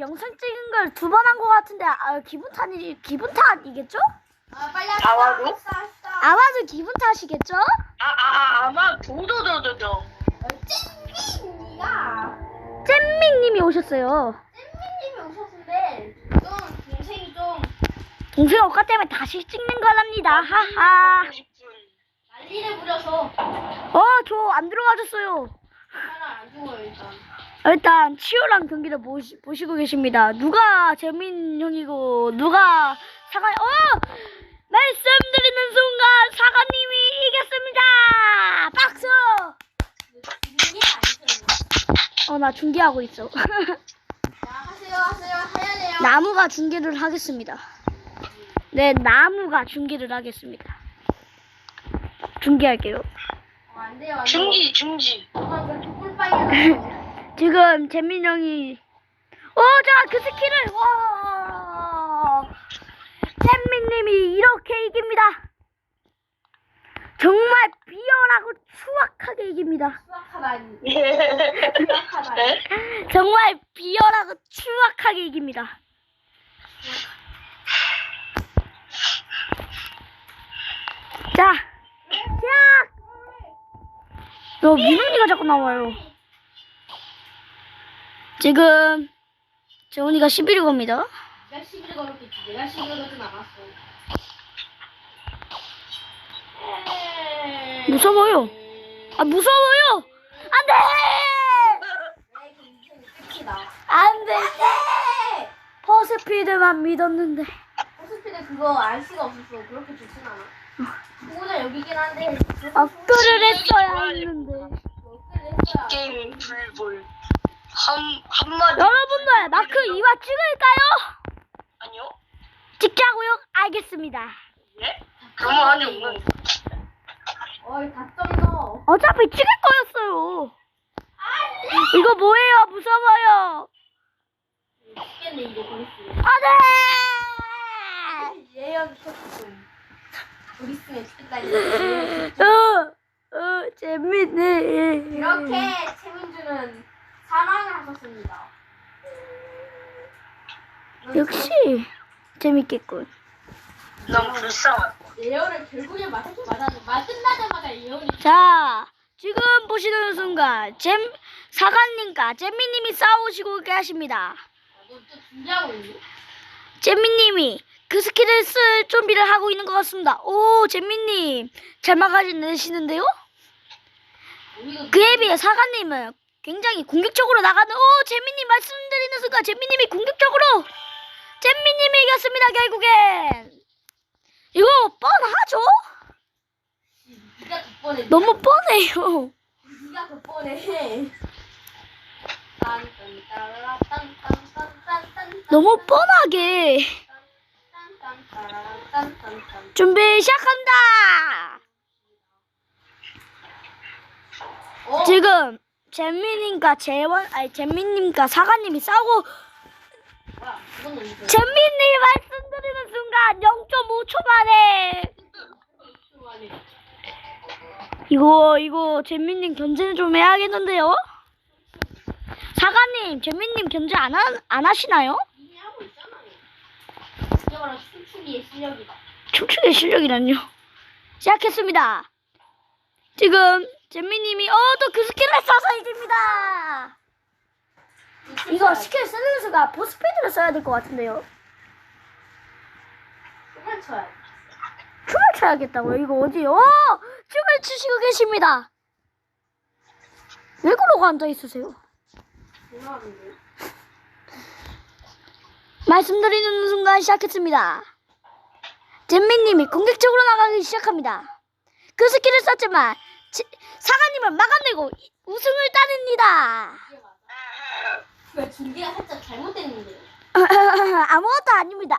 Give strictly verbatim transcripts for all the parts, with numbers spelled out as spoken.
영상 찍은 걸 두 번 한 것 같은데 아, 기분 탓이 기분 탓이겠죠? 아 빨리 아마도? 합시다. 합시다. 아마도 기분 탓이겠죠? 아, 아, 아, 아마 도도도도도. 잼민이가 잼민님이 오셨어요. 잼민님이 오셨는데 좀 동생이 좀 동생 오빠 때문에 다시 찍는 거랍니다. 하하. 먹고 싶은. 난리를 부려서 어, 저 안 들어가졌어요. 하나 안 죽어요 일단. 일단 치열한 경기를 보시, 보시고 계십니다. 누가 재민 형이고 누가 사가 어 말씀드리는 순간 사가님이 이겼습니다. 박수. 이게 아니죠. 어 나 중계하고 있어. 자 하세요 하세요 해야 돼요. 나무가 중계를 하겠습니다. 네 나무가 중계를 하겠습니다. 중계할게요. 어, 안 돼요 안 돼요. 중지, 중지. 아 그렇게 꿀빨이 지금 재민 형이 어, 자, 그 스킬을 와 잼민님이 이렇게 이깁니다. 정말 비열하고 추악하게 이깁니다. 수학하다니. 네? 수학하다니. 정말 비열하고 추악하게 이깁니다. 자, 자, 너 민훈이가 자꾸 나와요. 지금 재훈이가 십일 겁니다. 내가 시비를 걸었겠지. 내가 시비를 걸진 않았어. 무서워요. 아 무서워요. 안돼. 내 인생이 끝이다. 안돼. 퍼스피드만 믿었는데. 호스피드 그거 알 수가 없었어. 그렇게 좋진 않아. 그거는 여기긴 한데. 업글을 했어야 했는데. 업글을 했어야. 게임 불불. 한, 한마디. 여러분들 마크 이화 찍을까요? 아니요? 찍자고요? 알겠습니다. 예? 그러면 하냐고. 어이 다점 넣어. 어차피 찍을 거였어요. 이거 뭐예요? 무서워요. 죽겠네 이제 보리스. 안돼. 예언 쳤어. 보리스는 죽겠다 이제. 어, 어, 재밌네. 이렇게 최민주는 사망을 하셨습니다. 역시 재밌겠군. 난 불쌍한. 예언을 결국에 맞게 맞았는데 말 끝나자마자 예언이. 자, 지금 보시는 순간 잼 사관님과 잼미님이 싸우시고 계십니다. 너또 준비하고 있니? 잼미님이 그 스킬을 쓸 준비를 하고 있는 것 같습니다. 오, 잼미님 잘 막아내시는데요? 우리도 그에 비해 사관님은 굉장히 공격적으로 나가는. 오, 잼미님 말씀드리는 순간 잼미님이 공격적으로 잼미님이 이겼습니다. 결국엔 이거 뻔하죠? 네가 더 뻔해. 너무 뻔해요. 네가 더 뻔해. 딴딴따라란딴딴딴딴딴. 너무 뻔하게. 딴딴따라란딴딴딴. 준비 시작합니다. 어? 지금 잼민님과 재원 아니 잼민님과 사관님이 싸우고 뭐야? 이건 언제? 잼민님이 말씀드리는 순간 영 점 오 초 만에 이거 이거 잼민님 견제 좀 해야겠는데요? 사관님 잼민님 견제 안, 하, 안 하시나요? 이미 하고 있잖아요. 이게 바로 춤추기의 실력이다. 춤추기 실력이란요. 시작했습니다. 지금 잼민님이 어 또 그 스킬을 써서 이깁니다. 이거 스킬 쓰는 수가 보스피드를 써야 될 것 같은데요. 춤을 춰야 돼. 춤을 춰야겠다고요? 이거 어디요? 어! 춤을 추시고 계십니다. 왜 그러고 앉아있으세요? 죄송한데. 말씀드리는 순간 시작했습니다. 잼민님이 공격적으로 나가기 시작합니다. 그 스킬을 썼지만 지, 사관님은 막아내고 이- 우승을 따냅니다. 이게 맞아. 왜 준비가 살짝 잘못됐는데? 아무것도 아닙니다.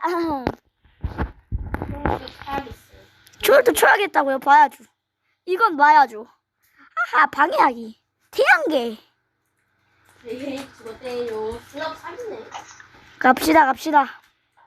그런 것도 사야겠어요. 춤을 춰야겠다고요? 봐야죠. 이건 봐야죠. 하하, 방해하기. 태양계. 네, 죽었대요. 슬럽 삼이네. 갑시다, 갑시다.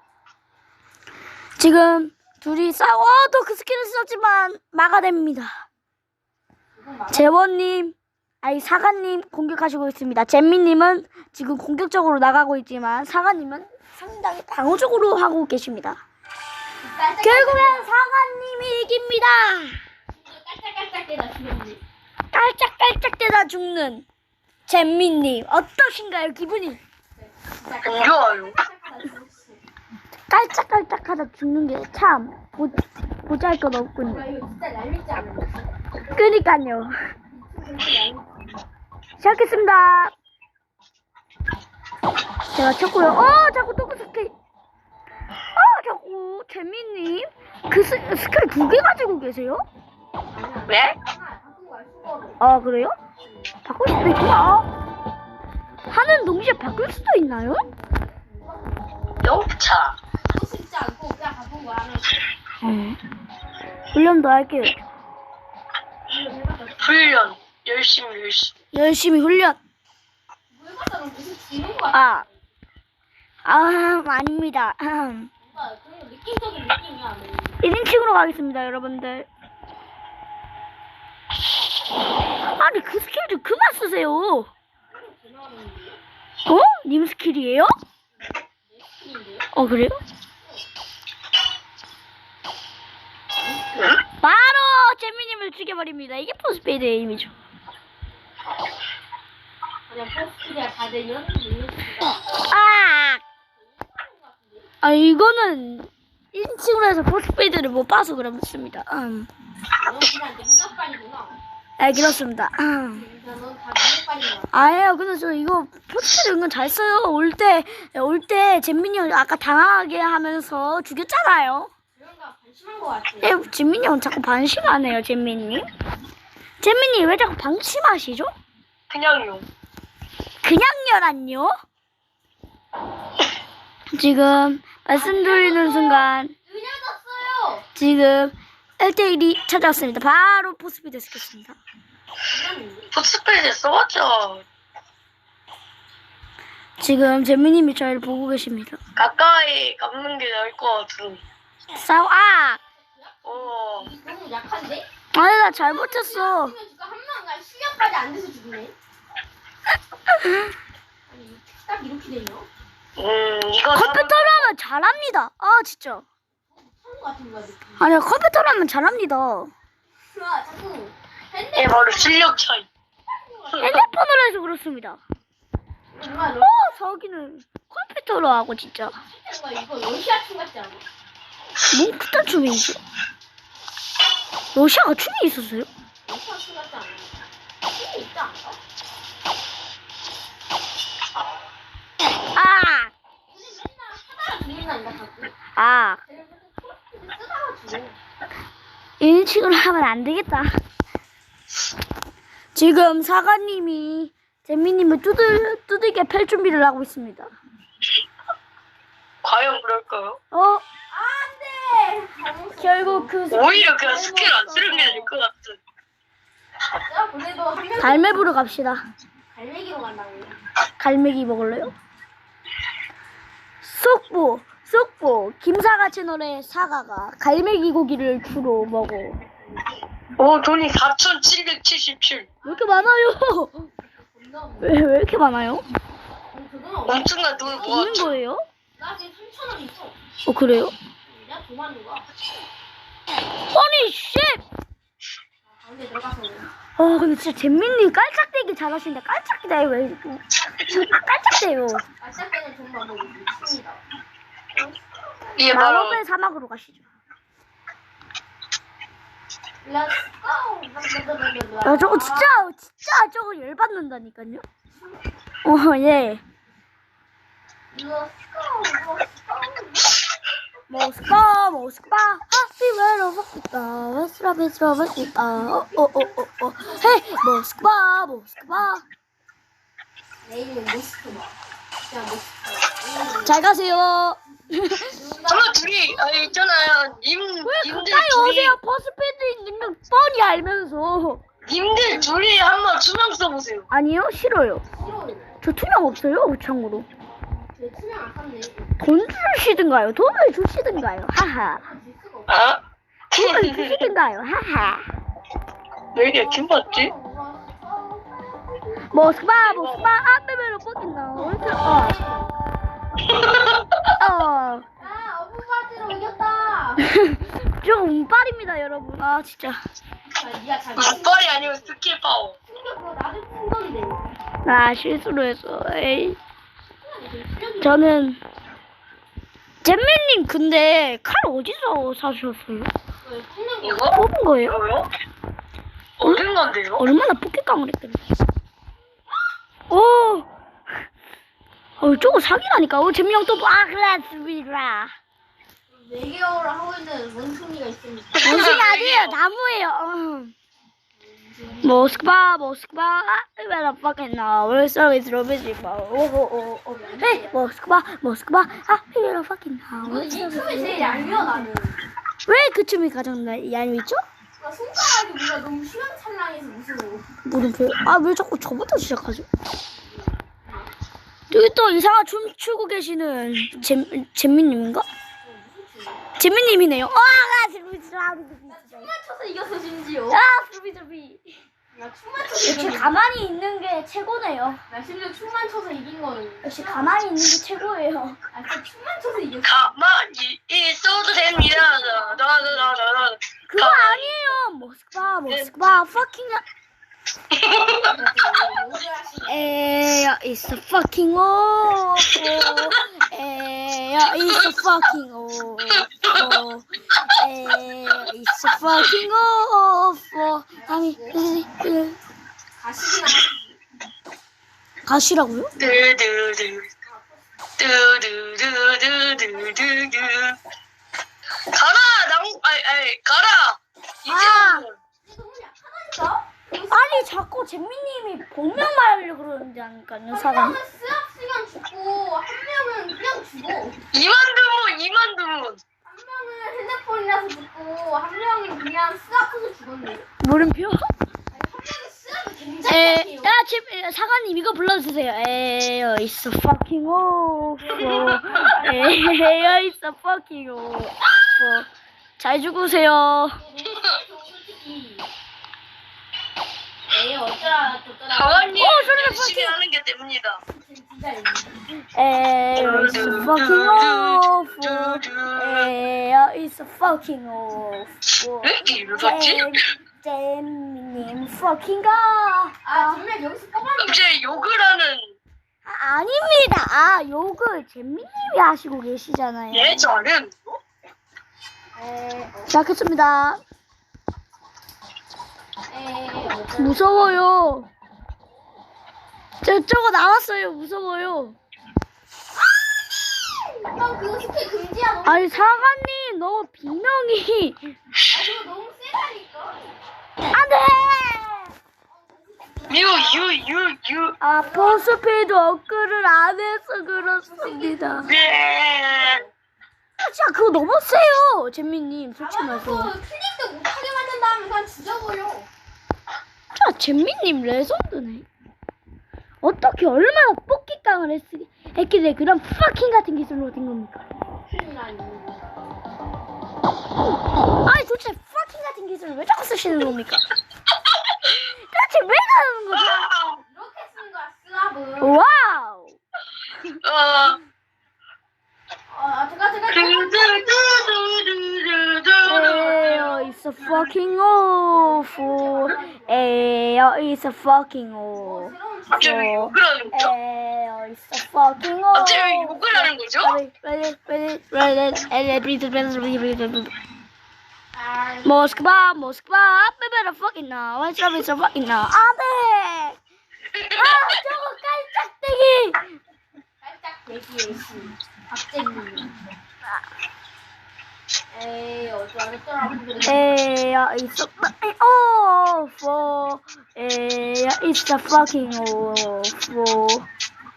지금 둘이 싸워도 그 스킬을 썼지만 막아냅니다. 이건 맞아. 재원님, 아니 사과님 공격하시고 있습니다. 잼미님은 지금 공격적으로 나가고 있지만 사과님은 상당히 방어적으로 하고 계십니다. 결국엔 사과님이 이깁니다. 깔짝깔짝대다 죽였네. 깔짝깔짝대다 죽는 잼미님 어떠신가요 기분이? 진짜 안 좋아요. 깔짝깔짝하다 죽었어. 깔짝깔짝하다 죽는 게 참 보잘것 없군요. 나 이거 진짜 날리지 않았어. 그니까요. 시작했습니다. 제가 쳤고요. 어 자꾸 또 스킬. 어 자꾸 재민님 그 스, 스킬 두 개 가지고 계세요? 왜? 하나 바꾼 거야 수거로. 아 그래요? 바꿀 수도 있구나. 하는 동시에 바꿀 수도 있나요? 영차. 또 쉽지 않고 그냥 바꾼 거야. 하나. 음. 훈련 더 할게요. 이거 해봤자 훈련. 열심히 열심히. 열심히 훈련. 뭐 해봤자 너 무슨 지는 거 같아. 아, 아 아닙니다. 음. 뭔가 그런 느낌적인 느낌이야. 일 인칭으로 가겠습니다, 여러분들. 아니 그 스킬 좀 그만 쓰세요. 어? 님 스킬이에요? 어 그래요? 바로 재민님을 죽여버립니다. 이게 포스페이드의 의미죠. 그냥 포스트가 다 되면 아, 아 이거는 일 인칭으로 해서 포스페이드를 못 봐서 그렇습니다. 음. 넌 그냥 능력빨이구나. 네 그렇습니다. 음. 넌다 능력빨이야. 아예요. 근데 저 이거 포스페이드 은근 잘 써요. 올 때 올 때 잼민이 형 아까 당황하게 하면서 죽였잖아요. 그런가 반심한 거 같아. 예, 잼민이 형 자꾸 반심하네요, 잼민님. 잼민이 왜 자꾸 방심하시죠? 그냥요. 그냥요란요? 지금 말씀드리는 순간 느려졌어요. 지금 일 대 일이 찾아왔습니다. 바로 포스피드 쓰겠습니다. 풋스페이드 써봤자 지금 잼민님이 저희를 보고 계십니다. 가까이 감는 게 나을 것 같은. 싸우 아! 어. 너무 약한데? 아니 나 잘 버텼어. 그러면 지금 한 명간 실력까지 안 돼서 죽네. 아니 딱 이렇게 되냐? 음 이거 컴퓨터로 하면 잘합니다. 아 진짜. 하는 거 같은 거야 느낌. 아니야 컴퓨터로 하면 잘합니다. 아 자꾸 핸드 예 바로 실력 차이. 핸드폰으로 해서 그렇습니다. 뭔가 너 어 저기는 컴퓨터로 하고 진짜. 뭔가 이거 러시아 춤 같지 않아? 뭔 그딴 춤이지? 러시아가 춤이 있었어요? 러시아 춤 같지 않아? 춤이 있지 않아? 아! 근데 맨날 하다가 죽는다니까 자꾸. 아, 쟤는 맨날 초록색을 쓰다가 죽어. 일 인칭으로 하면 안 되겠다. 지금 사과님이 재민님을 두들, 두들겨 펼 준비를 하고 있습니다. 과연 그럴까요? 어, 안돼. 결국 그 오히려 그냥 스킬 안 쓰는 게 나을 것 같은. 야 그래도 한 명. 갈매부로 갑시다. 갈매기로 간다고. 갈매기 먹을래요? 쏙보, 쏙보, 김사과 채널의 사과가 갈매기 고기를 주로 먹어. 오 돈이 사천칠백칠십칠. 왜 이렇게 많아요? 겁나 없네. 왜, 왜 이렇게 많아요? 그건 없어. 엄청난 돈을 있는 모았죠. 거예요? 나 지금 삼천 원 있어. 어, 그래요? 내가 돈 많은 거야. 아니, 씨! 가운데 들어가서. 아, 근데 진짜 잼민님 깔짝대기 잘하시는데 깔짝대요 왜 이렇게 깔짝대요. 아짝 때는 돈 많고 미칩니다. 이게 바로 마법의 사막으로 가시죠. Let's go. 아, 저거 진짜 진짜 저거 열받는다니까요. 어, 예. Let's go. Let's go. 모스파 모스파 하피웨로 모스파 웨스라 웨스라 웨스라 어어어어 헤이 모스파 모스파 내일은 모스크바. 그냥 모스크바. 잘 가세요. 정말 둘이 아 있잖아요. 님 왜 님들 가까이 둘이 오세요? 버스패드 있는 거 뻔히 알면서. 님들 둘이 한번 투명 써보세요. 아니요 싫어요. 싫어요. 저 투명 없어요 참고로. 제 투명 안 샀네. 돈 주시든가요. 돈을 주시든가요. 하하. 줄 수가 없어. 아? 돈을 주시든가요. 하하. 왜 이렇게 긴 받지? 모스크바 모스크바 아베베로 뻑긴다. 어. 어. 아, 어부바지로 이겼다. 좀 운빨입니다 여러분. 아 진짜. 아, 니가 잘 눈발이 아니면 스킬 파워. 충격 그거 나도 충격이네. 나 실수로 했어. 에이. 저는 잼민님 근데 칼 어디서 사셨어요? 충격이 이거? 뽑은 거예요? 이거요? 얻은 건데요? 얼마나 포켓깡을 했더니. 오. 어, 저거 사기라니까. 어, 잼민형 또 아, 그랬습니다. 네 개월을 하고 있는 원숭이가 있습니다. 원숭이 아니에요. 나무예요. 어. 모스크바, 모스크바, 왜나 fucking now? We're service 로비지 마. 오오오 오. 헤이, 모스크바, 모스크바, 아, 왜나 fucking now? 이 춤이 제일 얄미워 나는. 왜 그 춤이 가장 얄미죠? 나 손가락이 뭔가 너무 휘황찬란해서 무서워. 물음표. 아, 왜 자꾸 저부터 시작하죠? 여기 또 이상한 춤 추고 계시는 잼 잼민님인가? 잼민님이네요. 아, 나 잼민님이라고. 춤만 춰서 이겼어 심지어. 아, 잼민잼민. 나 춤만 쳐서 역시 이겼어. 가만히 있는 게 최고네요. 나 심지어 춤만 춰서 이긴 거는. 역시 가만히 있는 게 최고예요. 아 진짜 춤만 춰서 이겼어. 가만히 있어도 됩니다. 나나나나나. 그거 아니에요. 모스크바, 모스크바, fucking. 에야, it's a fucking awful. 에야, it's a fucking awful. 에야, it's a fucking awful. 아니, 가식이나 가시라고요? 뚜두두 뚜두두두두두두. 가라 나무 아이 아이 가라. 아. 이제 너무 약하다니까? 아니, 자꾸 잼민님이 본명 말하려고 그러는데 하니까요, 한 사람. 명은 수업 시간 죽고 한 명은 그냥 죽어. 이만두문 이만두문. 한 명은 핸드폰이라서 죽고 한 명은 그냥 수학해서 죽었네. 물음표? 아니 한 명은 수학이 굉장히 에, 약해요. 야, 집, 사관님 이거 불러주세요. 에어, it's a fucking awful. 에어, it's a fucking awful. 잘 죽으세요. 에이 어쩌라 저쩌라. 가만히 어, 소리가 열심히 fucking- 하는 게 됩니다. 진짜 이거. 에어, it's a fucking awful. 에어, it's a fucking awful. 왜 이렇게 이러지? 잼님 fucking 가. 아 정말 여기서 뽑았네. 이제 욕을 하는 아, 아닙니다. 아, 욕을 잼민님이 하시고 계시잖아요. 예전은 에이 시작했습니다. 에이 무서워요. 저, 저거 나왔어요. 무서워요. 형 그거 스킬 금지야 너무. 아니, 사관님, 너무 비명이. 아 그거 너무 세다니까. 안 돼! 유유유유 아, 보스피드 업글을 안 해서 그렇습니다. 네. 아, 진짜 그거 너무 세요. 잼민님, 솔직히 아 말해서. 또 클릭도 못하게 만든 다음에 그냥 죽여버려. 자, 잼민님 레전드네. 어떻게 얼마나 뽑기깡을 했, 했길래 그런 파킹 같은 기술로 된 겁니까? 큰일나니. 아니, 도대체 파킹 같은 기술을 왜 자꾸 쓰시는 겁니까? 도대체 왜 나오는 거죠? 이렇게 쓰는 거야 스랍은. 와우! 어. 아 제가 제가 에어, it's a fucking awful. 에어, it's a fucking awful. 갑자기 욕을 하는 거죠? 에어, it's a fucking awful. 갑자기 욕을 하는 거죠? 모스크바, 모스크바, better fucking now. What's up, it's a fucking now. 안 돼! 아, 저거 깔짝대기! 살짝 대기의 신 박재민. 에이 어쩌라 저쩌라. 에어, it's a fucking awful. 에어, it's a fucking awful.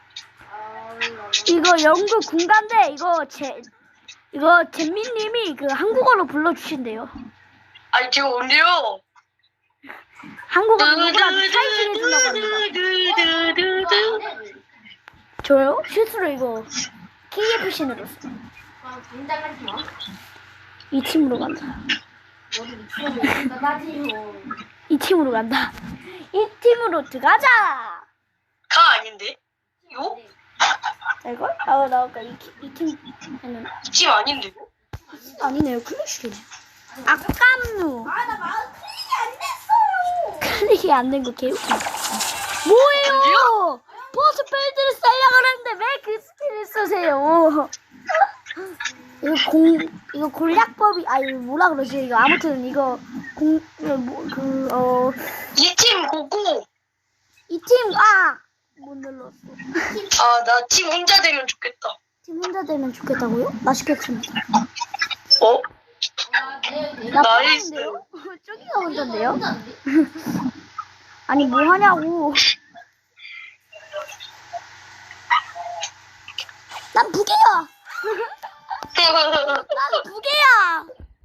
이거 영국 군가인데 이거 제 이거 잼민님이 그 한국어로 불러주신대요. 아니 지금 언제요? 한국어 누구랑 타이틀 해주려고 합니다. 저요? 실수로 이거 케이에프씨 눌렀어. 아 긴장하지 마. 이 팀으로 간다. 너도 미치겠네. 나지요. 이 팀으로 간다. 이 팀으로 들어가자. 아닌데? 요? 이걸? 아, 나 아까 이팀 했는데. 이 팀 아닌데요? 아니네요. 클래식이네. 아깝누. 아나 마음 클릭이 안 됐어요. 클릭이 안 된 거 개웃기. 뭐예요? 보스 필드를 쓰려고 그러는데 왜 그 스킬을 쓰세요? 이거 공 이거 공략법이 아니 뭐라 그러지 이거 아무튼 이거 공 그 어 이 팀 고고. 이 팀 아 못 눌렀어. 아, 나 팀 혼자 되면 좋겠다. 팀 혼자 되면 좋겠다고요? 맛있겠습니다. 어? 아내내 나 나이스. 편한데요? 저기가 혼자인데요? 혼자인데? 아니 뭐 하냐고. 난 부계야. 난 부계야.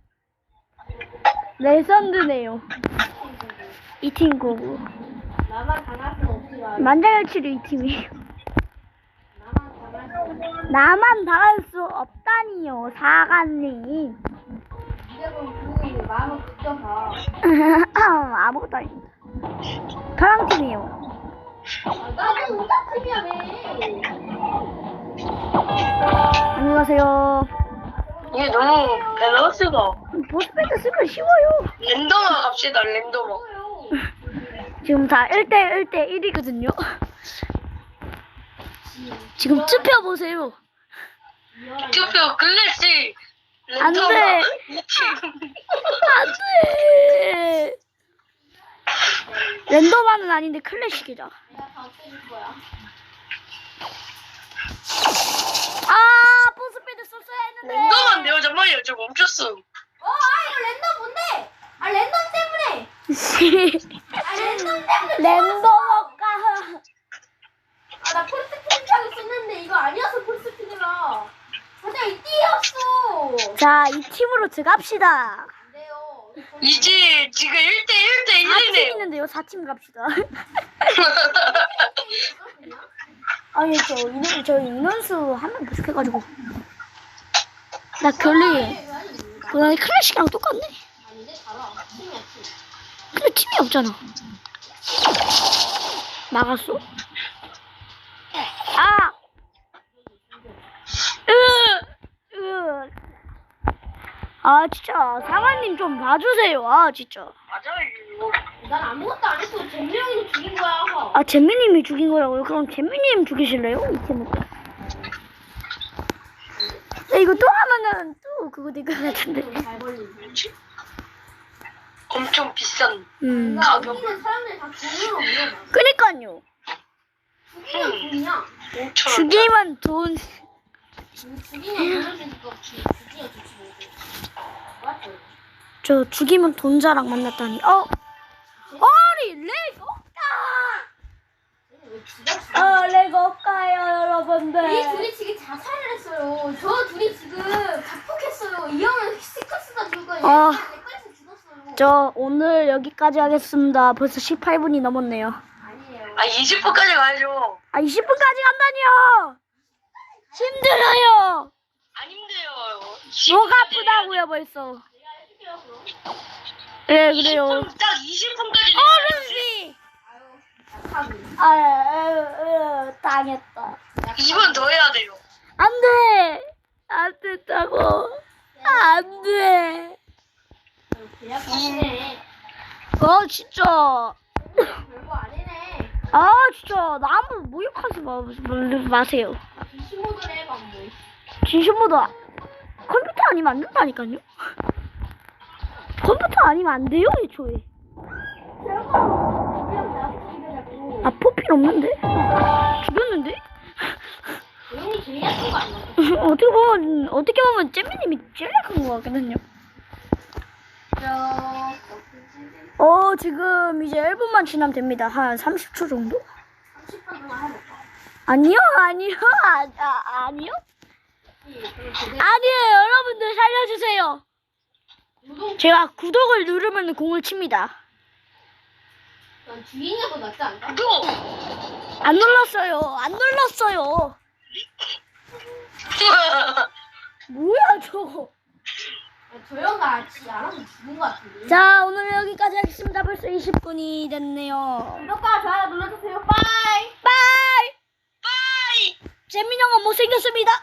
레전드네요. 이 팀 고고. 나만 당할 수 없지만 만장일치로 이 팀이에요. 나만 당할 수 없지. 나만 당할 수 없다니요, 사관님. 네가 그럼 그 마음을 굳혀서 아무것도 아닙니다. 저랑 팀이에요. 아, 나는 오타쿠냐 왜? 안녕하세요. 이게 너무 밸런스가. 보스패드 쓰면 쉬워요. 랜덤화 갑시다, 랜덤화. 뭐요? 지금 다 일 대 일 대 일이거든요. 지금 투표 보세요. 투표 클래식. 안 랜덤화. 돼. 이 팀. 안 돼. 랜덤화는 아닌데 클래식이다. 내가 다 없애줄 거야. 아, 보스패드 썼어야 했는데. 랜덤한데요? 잠깐만요, 저 멈췄어. 어, 아 이거 랜덤 뭔데? 아 랜덤 때문에. 아 랜덤 때문에. 랜덤화가. 아나 폴스피드 타고 있었는데 이거 아니었어 폴스피드가. 맞아 이 띠였어. 자, 이 팀으로 들어갑시다. 안 돼요. 이제 지금 일 대 일 대 사 팀 일이네요. 있는데요. 사 팀 갑시다. 아니, 저 인원, 저 인원수 한 명 부족해가지고. 나 결리, 그냥 클래식이랑 똑같네. 아닌데 달아. 팀이야 팀. 근데 팀이 없잖아. 나갔어? 아! 으! 으! 아, 진짜. 상아님 좀 봐주세요. 아, 진짜. 맞아요. 난 아무것도 안 했어. 잼명이 죽인 거야. 아, 잼미님이 죽인 거라고요? 그럼 잼미님 죽이실래요? 이 팀은. 야, 이거 또 하면은 또 그거 될 것 같은데. 잘 걸리지. 엄청 비싼. 음. 나 죽이는 사람들 다 돈으로 물어봐. 그니까요. 죽이면 돈이야. 오천 원. 죽이면 돈. 죽이면 돈을 주니까 죽이면 좋지 뭐고. 맞죠? 저 죽이면 돈 자랑 만났다니. 어? 아니, 렉 없다! 왜 지가 죽여? 어, 렉 없다요, 이 여러분들. 둘이 지금 자살을 했어요. 저 둘이 지금 자폭했어요. 이 형은 스티커 쓰다 죽고 얘는 아. 내꺼에서 죽었어요. 저 오늘 여기까지 하겠습니다. 벌써 십팔 분이 넘었네요. 아니에요. 아, 이십 분까지 가야죠. 아, 이십 분까지 간다니요! 힘들어요! 안 힘들어요. 목 아프다고요, 벌써. 내가 해줄게요 그럼. 네, 그래요. 이십 분, 딱 이십 분까지. 어른씨! 아유 약하고. 아, 아, 아, 당했다. 이 번 더 해야 돼요. 안 돼! 안 됐다고. 안 돼. 계약하시네. 어, 진짜. 별거 아니네. 아, 진짜. 나무 모욕하지 마, 마세요. 비시모드를 해봐 뭐. 진심보다 컴퓨터 아니면 안 된다니까요. 컴퓨터 아니면 안 돼요, 애초에. 아, 포필 없는데? 죽였는데? 조용히 제일 약한 거 아니야? 어떻게 보면, 어떻게 보면 잼미님이 제일 약한 것 같거든요. 저 어, 지금 이제 일 분만 지나면 됩니다. 한 삼십 초 정도? 삼십 분 동안 해볼까? 아니요, 아니요, 아, 아, 아니요? 아니요, 여러분들 살려주세요. 우동 제가 구독을 누르면 공을 칩니다. 난 주인이 더 낫지 않나? 또! 안 눌렀어요. 안 눌렀어요. 뭐야, 저거. 저 형아 지 알아서 죽은 거 같은데. 자, 오늘 여기까지 하겠습니다. 벌써 이십 분이 됐네요. 구독과 좋아요 눌러주세요. 빠이. 빠이! 잼민 형은 못생겼습니다.